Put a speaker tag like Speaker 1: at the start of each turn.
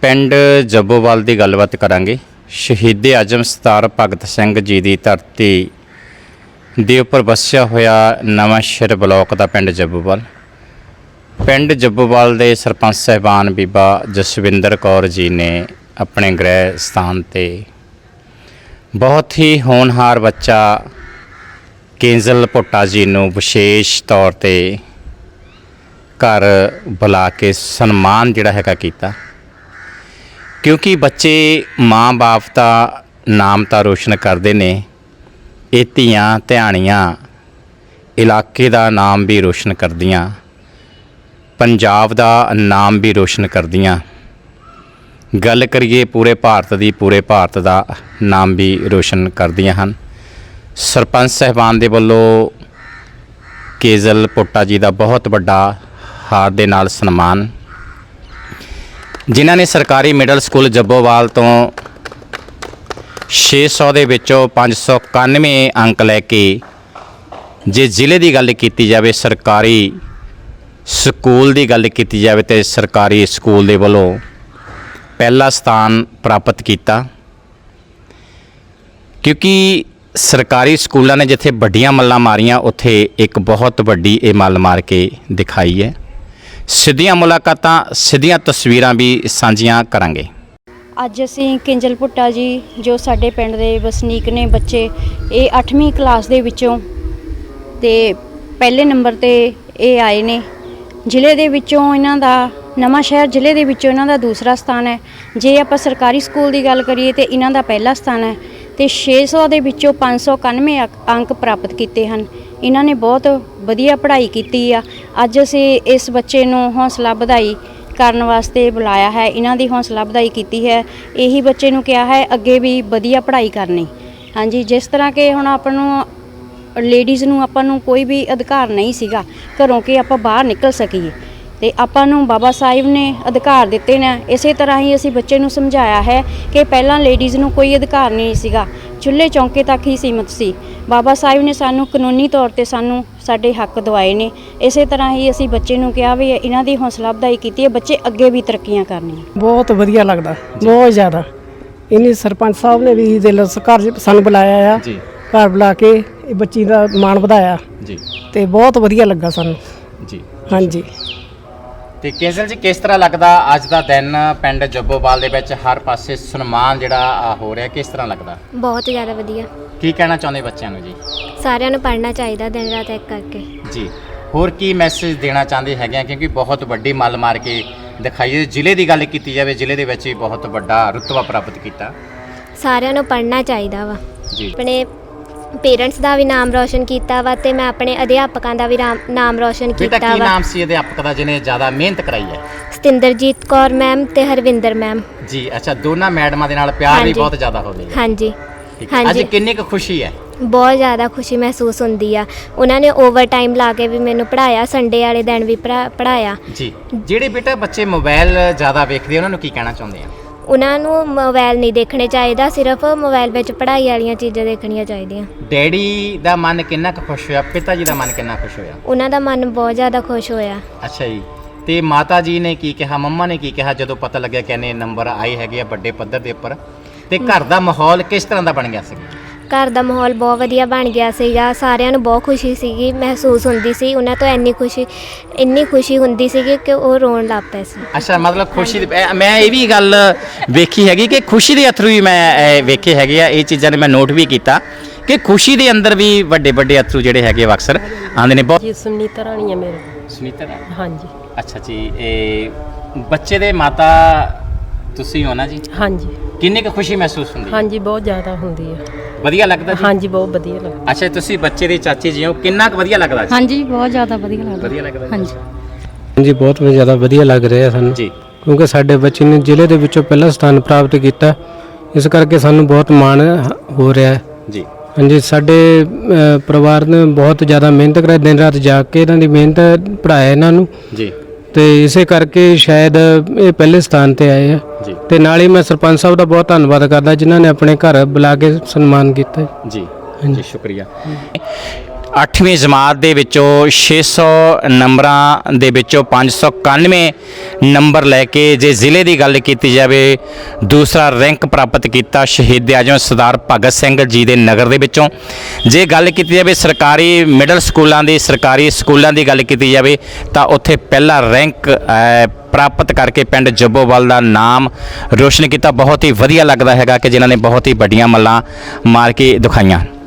Speaker 1: ਪਿੰਡ ਜੱਬੋਵਾਲ ਦੀ ਗੱਲਬਾਤ ਕਰਾਂਗੇ। ਸ਼ਹੀਦ ਆਜ਼ਮ ਸਰਦਾਰ ਭਗਤ ਸਿੰਘ ਜੀ ਦੀ ਧਰਤੀ ਦੇ ਉੱਪਰ ਵਸਿਆ ਹੋਇਆ ਨਵਾਂਸ਼ਹਿਰ ਬਲਾਕ ਦਾ ਪਿੰਡ ਜੱਬੋਵਾਲ। ਪਿੰਡ ਜੱਬੋਵਾਲ ਦੇ ਸਰਪੰਚ ਸਾਹਿਬਾਨ ਬੀਬਾ ਜਸਵਿੰਦਰ ਕੌਰ ਜੀ ਨੇ ਆਪਣੇ ਗ੍ਰਹਿ ਸਥਾਨ ਤੇ ਬਹੁਤ ਹੀ ਹੋਣਹਾਰ ਬੱਚਾ ਕੇਂਜਲ ਭੁੱਟਾ ਜੀ ਨੂੰ ਵਿਸ਼ੇਸ਼ ਤੌਰ ਤੇ ਘਰ ਬੁਲਾ ਕੇ ਸਨਮਾਨ ਜਿਹੜਾ ਹੈਗਾ ਕੀਤਾ, ਕਿਉਂਕਿ ਬੱਚੇ ਮਾਂ ਬਾਪ ਦਾ ਨਾਮ ਤਾਂ ਰੋਸ਼ਨ ਕਰਦੇ ਨੇ, ਇਹ ਧੀਆਂ ਧਿਆਣੀਆਂ ਇਲਾਕੇ ਦਾ ਨਾਮ ਵੀ ਰੋਸ਼ਨ ਕਰਦੀਆਂ, ਪੰਜਾਬ ਦਾ ਨਾਮ ਵੀ ਰੋਸ਼ਨ ਕਰਦੀਆਂ। ਗੱਲ ਕਰੀਏ ਪੂਰੇ ਭਾਰਤ ਦੀ, ਪੂਰੇ ਭਾਰਤ ਦਾ ਨਾਮ ਵੀ ਰੋਸ਼ਨ ਕਰਦੀਆਂ ਹਨ। ਸਰਪੰਚ ਸਾਹਿਬਾਨ ਦੇ ਵੱਲੋਂ ਕੇਜਲ ਭੁੱਟਾ ਜੀ ਦਾ ਬਹੁਤ ਵੱਡਾ ਹਾਰ ਦੇ ਨਾਲ ਸਨਮਾਨ, ਜਿਨ੍ਹਾਂ ਨੇ ਸਰਕਾਰੀ ਮਿਡਲ ਸਕੂਲ ਜੱਬੋਵਾਲ ਤੋਂ 600 ਦੇ ਵਿੱਚੋਂ 591 ਅੰਕ ਲੈ ਕੇ, ਜੇ ਜ਼ਿਲ੍ਹੇ ਦੀ ਗੱਲ ਕੀਤੀ ਜਾਵੇ, ਸਰਕਾਰੀ ਸਕੂਲ ਦੀ ਗੱਲ ਕੀਤੀ ਜਾਵੇ ਤੇ ਸਰਕਾਰੀ ਸਕੂਲ ਦੇ ਵੱਲੋਂ ਪਹਿਲਾ ਸਥਾਨ ਪ੍ਰਾਪਤ ਕੀਤਾ। ਕਿਉਂਕਿ ਸਰਕਾਰੀ ਸਕੂਲਾਂ ਨੇ ਜਿੱਥੇ ਵੱਡੀਆਂ ਮੱਲਾਂ ਮਾਰੀਆਂ, ਉੱਥੇ ਇੱਕ ਬਹੁਤ ਵੱਡੀ ਇਹ ਮੱਲ ਮਾਰ ਕੇ ਦਿਖਾਈ ਹੈ। ਸਿੱਧੀਆਂ ਮੁਲਾਕਾਤਾਂ, ਸਿੱਧੀਆਂ ਤਸਵੀਰਾਂ ਵੀ ਸਾਂਝੀਆਂ ਕਰਾਂਗੇ।
Speaker 2: ਅੱਜ ਅਸੀਂ ਕੇਂਜਲ ਭੁੱਟਾ ਜੀ ਜੋ ਸਾਡੇ ਪਿੰਡ ਦੇ ਵਸਨੀਕ ਨੇ, ਬੱਚੇ ਇਹ 8ਵੀਂ ਕਲਾਸ ਦੇ ਵਿੱਚੋਂ ਤੇ ਪਹਿਲੇ ਨੰਬਰ ਤੇ ਇਹ ਆਏ ਨੇ। ਜ਼ਿਲ੍ਹੇ ਦੇ ਵਿੱਚੋਂ ਇਹਨਾਂ ਦਾ ਨਵਾਂਸ਼ਹਿਰ ਜ਼ਿਲ੍ਹੇ ਦੇ ਵਿੱਚੋਂ ਇਹਨਾਂ ਦਾ ਦੂਸਰਾ ਸਥਾਨ ਹੈ। ਜੇ ਆਪਾਂ ਸਰਕਾਰੀ ਸਕੂਲ ਦੀ ਗੱਲ ਕਰੀਏ ਤੇ ਇਹਨਾਂ ਦਾ ਪਹਿਲਾ ਸਥਾਨ ਹੈ ਤੇ 600 ਦੇ ਵਿੱਚੋਂ 591 ਅੰਕ ਪ੍ਰਾਪਤ ਕੀਤੇ ਹਨ। ਇਹਨਾਂ ਨੇ ਬਹੁਤ ਵਧੀਆ ਪੜ੍ਹਾਈ ਕੀਤੀ ਆ। ਅੱਜ ਅਸੀਂ ਇਸ ਬੱਚੇ ਨੂੰ ਹੌਸਲਾ ਵਧਾਈ ਕਰਨ ਵਾਸਤੇ ਬੁਲਾਇਆ ਹੈ, ਇਹਨਾਂ ਦੀ ਹੌਸਲਾ ਵਧਾਈ ਕੀਤੀ ਹੈ। ਇਹੀ ਬੱਚੇ ਨੂੰ ਕਿਹਾ ਹੈ ਅੱਗੇ ਵੀ ਵਧੀਆ ਪੜ੍ਹਾਈ ਕਰਨੀ। ਹਾਂਜੀ, ਜਿਸ ਤਰ੍ਹਾਂ ਕਿ ਹੁਣ ਆਪਾਂ ਨੂੰ ਲੇਡੀਜ਼ ਨੂੰ ਆਪਾਂ ਨੂੰ ਕੋਈ ਵੀ ਅਧਿਕਾਰ ਨਹੀਂ ਸੀਗਾ ਘਰੋਂ ਕਿ ਆਪਾਂ ਬਾਹਰ ਨਿਕਲ ਸਕੀਏ, ਤੇ ਆਪਾਂ ਨੂੰ ਬਾਬਾ ਸਾਹਿਬ ਨੇ ਅਧਿਕਾਰ ਦਿੱਤੇ ਨੇ। ਇਸੇ ਤਰ੍ਹਾਂ ਹੀ ਅਸੀਂ ਬੱਚੇ ਨੂੰ ਸਮਝਾਇਆ ਹੈ ਕਿ ਪਹਿਲਾਂ ਲੇਡੀਜ਼ ਨੂੰ ਕੋਈ ਅਧਿਕਾਰ ਨਹੀਂ ਸੀਗਾ, ਚੁੱਲ੍ਹੇ ਚੌਂਕੇ ਤੱਕ ਹੀ ਸੀਮਤ ਸੀ। ਬਾਬਾ ਸਾਹਿਬ ਨੇ ਸਾਨੂੰ ਕਾਨੂੰਨੀ ਤੌਰ ਤੇ ਸਾਨੂੰ ਸਾਡੇ ਹੱਕ ਦਿਵਾਏ ਨੇ। ਇਸੇ ਤਰ੍ਹਾਂ ਹੀ ਅਸੀਂ ਬੱਚੇ ਨੂੰ ਕਿਹਾ ਵੀ ਇਹਨਾਂ ਦੀ ਹੌਸਲਾ ਅਫਜ਼ਾਈ ਕੀਤੀ ਹੈ, ਬੱਚੇ ਅੱਗੇ ਵੀ ਤਰੱਕੀਆਂ ਕਰਨੀਆਂ।
Speaker 3: ਬਹੁਤ ਵਧੀਆ ਲੱਗਦਾ, ਬਹੁਤ ਜ਼ਿਆਦਾ। ਇਹਨੇ ਸਰਪੰਚ ਸਾਹਿਬ ਨੇ ਵੀ ਦਿਲ ਘਰ ਸਾਨੂੰ ਬੁਲਾਇਆ ਆ, ਘਰ ਬੁਲਾ ਕੇ ਇਹ ਬੱਚੀ ਦਾ ਮਾਣ ਵਧਾਇਆ ਜੀ, ਤੇ ਬਹੁਤ ਵਧੀਆ ਲੱਗਾ ਸਾਨੂੰ ਜੀ। ਹਾਂਜੀ,
Speaker 1: ਤੇ ਕੇਜਲ ਜੀ, ਕਿਸ ਤਰ੍ਹਾਂ ਲੱਗਦਾ ਅੱਜ ਦਾ ਦਿਨ ਪਿੰਡ ਜੱਬੋਵਾਲ ਦੇ ਵਿੱਚ ਹਰ ਪਾਸੇ ਸਨਮਾਨ ਜਿਹੜਾ ਹੋ ਰਿਹਾ, ਕਿਸ ਤਰ੍ਹਾਂ ਲੱਗਦਾ?
Speaker 4: ਬਹੁਤ ਜ਼ਿਆਦਾ ਵਧੀਆ।
Speaker 1: ਕੀ ਕਹਿਣਾ ਚਾਹੁੰਦੇ ਬੱਚਿਆਂ ਨੂੰ ਜੀ?
Speaker 4: ਸਾਰਿਆਂ ਨੂੰ ਪੜ੍ਹਨਾ ਚਾਹੀਦਾ ਦਿਨ ਰਾਤ ਇੱਕ ਕਰਕੇ
Speaker 1: ਜੀ। ਹੋਰ ਕੀ ਮੈਸੇਜ ਦੇਣਾ ਚਾਹੁੰਦੇ ਹੈਗੇ ਆ? ਕਿਉਂਕਿ ਬਹੁਤ ਵੱਡੀ ਮੱਲ ਮਾਰ ਕੇ ਦਿਖਾਈ। ਜ਼ਿਲ੍ਹੇ ਦੀ ਗੱਲ ਕੀਤੀ ਜਾਵੇ, ਜ਼ਿਲ੍ਹੇ ਦੇ ਵਿੱਚ ਵੀ ਬਹੁਤ ਵੱਡਾ ਰੁਤਬਾ ਪ੍ਰਾਪਤ ਕੀਤਾ।
Speaker 4: ਸਾਰਿਆਂ ਨੂੰ ਪੜ੍ਹਨਾ ਚਾਹੀਦਾ ਵਾ
Speaker 1: ਜੀ।
Speaker 4: ਆਪਣੇ ਪੇਰੈਂਟਸ ਦਾ ਵੀ ਨਾਮ ਰੌਸ਼ਨ ਕੀਤਾ ਵਾ ਤੇ ਮੈਂ ਆਪਣੇ ਅਧਿਆਪਕਾਂ ਦਾ ਵੀ ਨਾਮ ਰੌਸ਼ਨ ਕੀਤਾ ਵਾ।
Speaker 1: ਕੀ ਨਾਮ ਸੀ ਅਧਿਆਪਕ ਦਾ ਜਿਹਨੇ ਜ਼ਿਆਦਾ ਮਿਹਨਤ ਕਰਾਈ ਹੈ?
Speaker 4: ਸਤਿੰਦਰਜੀਤ ਕੌਰ ਮੈਮ ਤੇ ਹਰਵਿੰਦਰ ਮੈਮ
Speaker 1: ਜੀ। ਅੱਛਾ, ਦੋਨਾਂ ਮੈਡਮਾਂ ਦੇ ਨਾਲ ਪਿਆਰ ਵੀ ਬਹੁਤ ਜ਼ਿਆਦਾ ਹੋ ਗਿਆ।
Speaker 4: ਹਾਂਜੀ
Speaker 1: ਹਾਂਜੀ। ਅੱਜ ਕਿੰਨੀ ਕੁ ਖੁਸ਼ੀ ਹੈ?
Speaker 4: ਬਹੁਤ ਜ਼ਿਆਦਾ ਖੁਸ਼ੀ ਮਹਿਸੂਸ ਹੁੰਦੀ ਆ। ਉਹਨਾਂ ਨੇ ਓਵਰ ਟਾਈਮ ਲਾ ਕੇ ਵੀ ਮੈਨੂੰ ਪੜ੍ਹਾਇਆ, ਸੰਡੇ ਵਾਲੇ ਦਿਨ ਵੀ ਪੜ੍ਹਾਇਆ ਜੀ।
Speaker 1: ਜਿਹੜੇ ਬੇਟਾ ਬੱਚੇ ਮੋਬਾਈਲ ਜ਼ਿਆਦਾ ਵੇਖਦੇ, ਉਹਨਾਂ ਨੂੰ ਕੀ ਕਹਿਣਾ ਚਾਹੁੰਦੇ ਆ?
Speaker 4: ਉਹਨਾਂ ਨੂੰ ਮੋਬਾਈਲ ਨਹੀਂ ਦੇਖਣੇ ਚਾਹੀਦਾ, ਸਿਰਫ ਮੋਬਾਈਲ ਵਿੱਚ ਪੜ੍ਹਾਈ ਵਾਲੀਆਂ ਚੀਜ਼ਾਂ ਦੇਖਣੀਆਂ ਚਾਹੀਦੀਆਂ।
Speaker 1: ਡੈਡੀ ਦਾ ਮਨ ਕਿੰਨਾ ਕੁ ਖੁਸ਼ ਹੋਇਆ? ਪਿਤਾ ਜੀ ਦਾ ਮਨ ਕਿੰਨਾ ਖੁਸ਼ ਹੋਇਆ?
Speaker 4: ਉਹਨਾਂ ਦਾ ਮਨ ਬਹੁਤ ਜ਼ਿਆਦਾ ਖੁਸ਼ ਹੋਇਆ।
Speaker 1: ਅੱਛਾ ਜੀ। ਤੇ ਮਾਤਾ ਜੀ ਨੇ ਕੀ ਕਿਹਾ, ਮੰਮਾ ਨੇ ਕੀ ਕਿਹਾ ਜਦੋਂ ਪਤਾ ਲੱਗਿਆ ਕਿ ਇਹਨੇ ਨੰਬਰ ਆਏ ਹੈਗੇ ਆ ਵੱਡੇ ਪੱਧਰ ਦੇ ਉੱਪਰ? ਤੇ ਘਰ ਦਾ ਮਾਹੌਲ ਕਿਸ ਤਰ੍ਹਾਂ ਦਾ ਬਣ ਗਿਆ ਸੀ?
Speaker 4: ਘਰ ਦਾ ਮਾਹੌਲ ਬਹੁਤ ਵਧੀਆ ਬਣ ਗਿਆ ਸੀਗਾ। ਸਾਰਿਆਂ ਨੂੰ ਬਹੁਤ ਖੁਸ਼ੀ ਸੀਗੀ ਮਹਿਸੂਸ ਹੁੰਦੀ ਸੀ। ਉਹਨਾਂ ਤੋਂ ਇੰਨੀ ਖੁਸ਼ੀ ਹੁੰਦੀ ਸੀਗੀ ਕਿ ਉਹ ਰੋਣ ਲੱਗ ਪਏ ਸੀ।
Speaker 1: ਅੱਛਾ, ਮਤਲਬ ਖੁਸ਼ੀ ਦੀ ਮੈਂ ਇਹ ਵੀ ਗੱਲ ਵੇਖੀ ਹੈਗੀ ਕਿ ਖੁਸ਼ੀ ਦੇ ਅਥਰੂ ਵੀ ਮੈਂ ਵੇਖੇ ਹੈਗੇ ਆ। ਇਹ ਚੀਜ਼ਾਂ ਨੇ ਮੈਂ ਨੋਟ ਵੀ ਕੀਤਾ ਕਿ ਖੁਸ਼ੀ ਦੇ ਅੰਦਰ ਵੀ ਵੱਡੇ ਵੱਡੇ ਅਥਰੂ ਜਿਹੜੇ ਹੈਗੇ ਅਕਸਰ ਆਉਂਦੇ ਨੇ। ਬਹੁਤ
Speaker 3: ਜੀ ਸੁਨੀਤਾ ਰਾਣੀ ਹੈ ਮੇਰੇ।
Speaker 1: ਸੁਨੀਤਾ ਰਾਣੀ?
Speaker 3: ਹਾਂਜੀ।
Speaker 1: ਅੱਛਾ ਜੀ। ਇਹ ਬੱਚੇ ਦੇ ਮਾਤਾ ਤੁਸੀਂ ਹੋ ਨਾ ਜੀ?
Speaker 3: ਹਾਂਜੀ।
Speaker 1: ਕਿੰਨੀ ਕੁ ਖੁਸ਼ੀ ਮਹਿਸੂਸ ਹੁੰਦੀ ਹੈ?
Speaker 3: ਹਾਂਜੀ, ਬਹੁਤ ਜ਼ਿਆਦਾ ਹੁੰਦੀ ਹੈ।
Speaker 1: ਵਧੀਆ ਲੱਗਦਾ ਜੀ?
Speaker 3: ਹਾਂਜੀ, ਬਹੁਤ ਵਧੀਆ ਲੱਗਦਾ।
Speaker 1: ਅੱਛਾ, ਤੁਸੀਂ ਬੱਚੇ ਦੇ ਚਾਚੇ ਜੀ ਹੋ, ਕਿੰਨਾ ਕੁ ਵਧੀਆ ਲੱਗਦਾ ਜੀ?
Speaker 2: ਹਾਂਜੀ, ਬਹੁਤ ਜ਼ਿਆਦਾ ਵਧੀਆ ਲੱਗਦਾ।
Speaker 1: ਵਧੀਆ ਲੱਗਦਾ
Speaker 2: ਹਾਂਜੀ
Speaker 5: ਹਾਂਜੀ, ਬਹੁਤ ਜ਼ਿਆਦਾ ਵਧੀਆ ਲੱਗ ਰਿਹਾ ਸਾਨੂੰ ਜੀ, ਕਿਉਂਕਿ ਸਾਡੇ ਬੱਚੇ ਨੇ ਜ਼ਿਲ੍ਹੇ ਦੇ ਵਿੱਚੋਂ ਪਹਿਲਾ ਸਥਾਨ ਪ੍ਰਾਪਤ ਕੀਤਾ। ਇਸ ਕਰਕੇ ਸਾਨੂੰ ਬਹੁਤ ਮਾਣ ਹੋ ਰਿਹਾ ਹੈ ਜੀ। ਹਾਂਜੀ, ਸਾਡੇ ਪਰਿਵਾਰ ਨੇ ਬਹੁਤ ਜ਼ਿਆਦਾ ਮਿਹਨਤ ਕਰਾਈ, ਦਿਨ ਰਾਤ ਜਾਗ ਕੇ ਇਹਨਾਂ ਦੀ ਮਿਹਨਤ ਪੜ੍ਹਾਇਆ ਇਹਨਾਂ ਨੂੰ ਜੀ, ਤੇ ਇਸੇ ਕਰਕੇ ਸ਼ਾਇਦ ਇਹ ਪਹਿਲੇ ਸਥਾਨ ਤੇ ਆਏ ਆ ਜੀ। ਤੇ ਨਾਲ ਹੀ ਮੈਂ ਸਰਪੰਚ ਸਾਹਿਬ ਦਾ ਬਹੁਤ ਧੰਨਵਾਦ ਕਰਦਾ ਜਿਨ੍ਹਾਂ ਨੇ ਆਪਣੇ ਘਰ ਬੁਲਾ ਕੇ ਸਨਮਾਨ ਕੀਤਾ ਜੀ। ਹਾਂਜੀ,
Speaker 1: ਸ਼ੁਕਰੀਆ। 8ਵੀਂ ਜਮਾਤ ਦੇ ਵਿੱਚੋਂ 600 ਨੰਬਰਾਂ ਦੇ ਵਿੱਚੋਂ 591 ਨੰਬਰ ਲੈ ਕੇ ਜੇ ਜ਼ਿਲ੍ਹੇ ਦੀ ਗੱਲ ਕੀਤੀ ਜਾਵੇ ਦੂਸਰਾ ਰੈਂਕ ਪ੍ਰਾਪਤ ਕੀਤਾ ਸ਼ਹੀਦ ਆਜਮ ਸਰਦਾਰ ਭਗਤ ਸਿੰਘ ਜੀ ਦੇ ਨਗਰ ਦੇ ਵਿੱਚੋਂ। ਜੇ ਗੱਲ ਕੀਤੀ ਜਾਵੇ ਸਰਕਾਰੀ ਮਿਡਲ ਸਕੂਲਾਂ ਦੀ, ਸਰਕਾਰੀ ਸਕੂਲਾਂ ਦੀ ਗੱਲ ਕੀਤੀ ਜਾਵੇ ਤਾਂ ਉੱਥੇ ਪਹਿਲਾ ਰੈਂਕ ਪ੍ਰਾਪਤ ਕਰਕੇ ਪਿੰਡ ਜੱਬੋਵਾਲ ਦਾ ਨਾਮ ਰੋਸ਼ਨ ਕੀਤਾ। ਬਹੁਤ ਹੀ ਵਧੀਆ ਲੱਗਦਾ ਹੈਗਾ ਕਿ ਜਿਨ੍ਹਾਂ ਨੇ ਬਹੁਤ ਹੀ ਵੱਡੀਆਂ ਮੱਲਾਂ ਮਾਰ ਕੇ ਦਿਖਾਈਆਂ।